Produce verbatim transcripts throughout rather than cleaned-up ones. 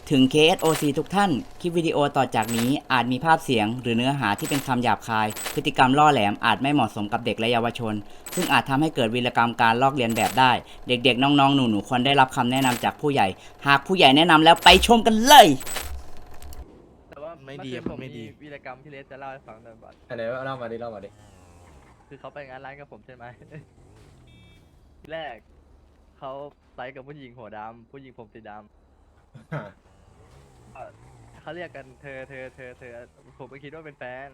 ถึง เค เอส โอ ซี ทุกท่าน คลิปวิดีโอต่อจากนี้อาจมีภาพเสียงหรือเนื้อหาที่เป็นคำหยาบคาย พฤติกรรมล่อแหลมอาจไม่เหมาะสมกับเด็กและเยาวชน ซึ่งอาจทำให้เกิดวีรกรรมการลอกเลียนแบบได้ เด็กๆ น้องๆ หนูๆ ควรได้รับคำแนะนำจากผู้ใหญ่ หากผู้ใหญ่แนะนำแล้วไปชมกันเลยแต่ว่าไม่ดีเอคืนมันไม่ดีวีรกรรมที่เลสจะเล่าให้ฟังหน่อยบัดอันไหนเล่ามาดิเล่ามาดิคือเขาไปงานร้านกับผมใช่ไหม ทีแรกเขาไซส์กับผู้หญิงหัวดำผู้หญิงผมสีดำเอ่อเขาเรียกกันเธอเธอเธอเธอผมก็คิดว่าเป็นแฟน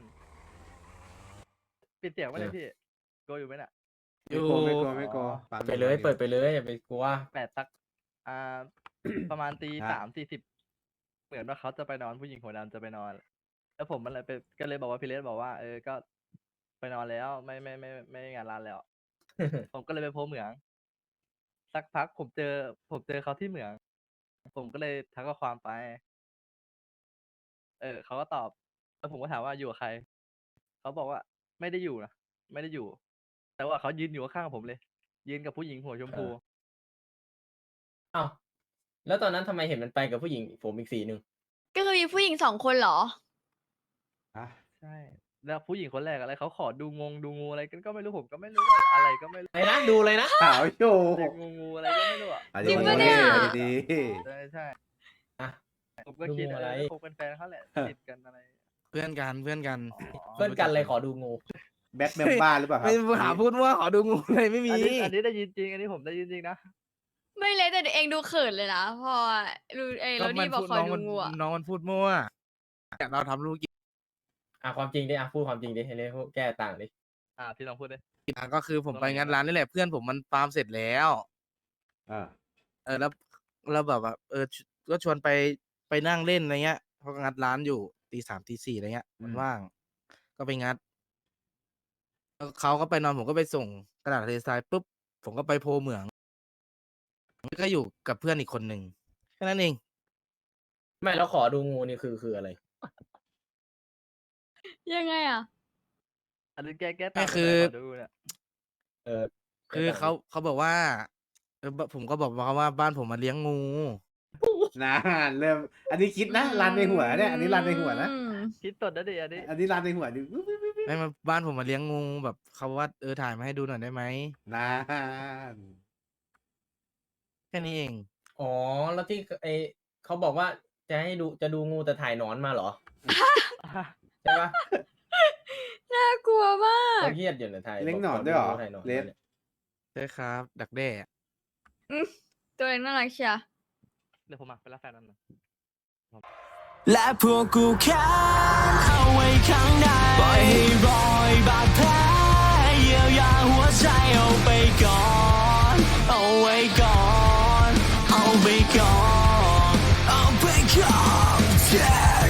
ปิดเสียงไว้เลยพี่โกอยู่ไหมน่ะอยู่ไม่กลัวไม่กลัวปั๊มไปเลยเปิดไปเลยอย่าไปกลัวแปดสักอ่า ประมาณตีฮะสามสี่สิบเหมือนว่าเขาจะไปนอนผู้หญิงหัวดำจะไปนอน แล้วผมมันเลยไปก็เลยบอกว่าพี่เลสบอกว่าเออก็ไปนอนแล้วไม่ไม่ไม่ไม่ไม่งานร้านแล้ว ผมก็เลยไปโพสเหมือง สักพักผมเจอ ผมเจอเขาที่เหมือง ผมก็เลยทักข้อความไป เออเขาก็ตอบ แล้วผมก็ถามว่าอยู่กับใคร เขาบอกว่าไม่ได้อยู่นะไม่ได้อยู่ แต่ว่าเขายืนอยู่ข้างๆผมเลย ยืนกับผู้หญิงหัวชมพูเอ้าแล้วตอนนั้นทำไมเห็นมันไปกับผู้หญิงผมอีกสีหนึ่งก็คือมีผู้หญิงสองคนเหรออ่ะใช่ แล้วผู้หญิงคนแรกอะไรเขาขอดูงงดูงูอะไรกันก็ไม่รู้ผมก็ไม่รู้ว่าอะไรก็ไม่รู้อะไรนะดูเลยนะขาวโยเด็กงูงูอะไรก็ไม่รู้อ่ะอ่ะจริงปะเนี่ยดีใช่ใช่อ่ะผมก็คิดดูงูเออะไรอคงเป็นแฟนเขาแหละติดกันอะไรเพื่อนกันเพื่อนกันอ๋อเพื่อนกันเลยขอดูงูแบ็คเมมบ้าหรือเปล่าครับไม่หาพูดว่าขอดูงูเลยไม่มีอันนี้อันนี้ได้ยินจริง อันนี้ผมได้ยินจริงนะไม่เลยแต่เองดูเขินเลยนะพอรู้เอยแล้วนี่บอกพูดคอยน้องดูมันงูอะน้องมันพูดมั่วแต่เราทำลูกกินอ่ะความจริงดิอ่ะพูดความจริงดิให้เลยพวกแก้ต่างดิอ่าพี่ลองพูดดิอ่ะก็คือผมไปงานร้านนี่แหละเพื่อนผมมันฟาร์มเสร็จแล้วอ่าเออแล้วแล้วแบบว่าเออก็ชวนไปไปนั่งเล่นอะไรเงี้ยเพราะงัดร้านอยู่ตีสามตีสี่อะไรเงี้ยมันว่าง ก็ไปงัดแล้วเขาก็ไปนอนผมก็ไปส่งกระดาษทะเลทรายปุ๊บผมก็ไปโพเหมืองก็อยู่กับเพื่อนอีกคนหนึ่งแค่นั้นเองไม่แล้วขอดูงูนี่คือคืออะไรยังไงอะอันนี้แก้แก้ต่างไม่คือขดูเนี่ยเออคือเขาเขาบอกว่าเออผมก็บอกเขาว่าบ้านผมมาเลี้ยงงูนะเริ่ม อันนี้คิดนะรันในหัวเนี่ย อันนี้รันในหัวนะอืมคิดตดนะดิอันนี้อันนี้รันในหัวดิไม่มาบ้านผมมาเลี้ยงงูแบบเขาว่าเออถ่ายมาให้ดูหน่อยได้ไหมนานแค่นี้เองอ๋อแล้วที่ไอเขาบอกว่าจะให้ดูจะดูงูแต่ถ่ายหนอนมาเหรอ ใช่ปะน่ากลัวมากเขาเครียดอยู่นะถ่ายเลี้ยงหนอนด้วยเหรอถ่ายหนอนเลสมานี่ยใช่ครับ ดักแด้ตัวเองน่ารักเชียร์เดี๋ยวผมมาเป็นรับแฟนนั่นนะและพวกกูแค้นเอาไว้ข้างในปล่อยให้รอยบาดแผลเยียวยาหัวใจเอาไปก่อนเอาไว้ก่อนเอาไปก่อนเอาไปก่อน yeah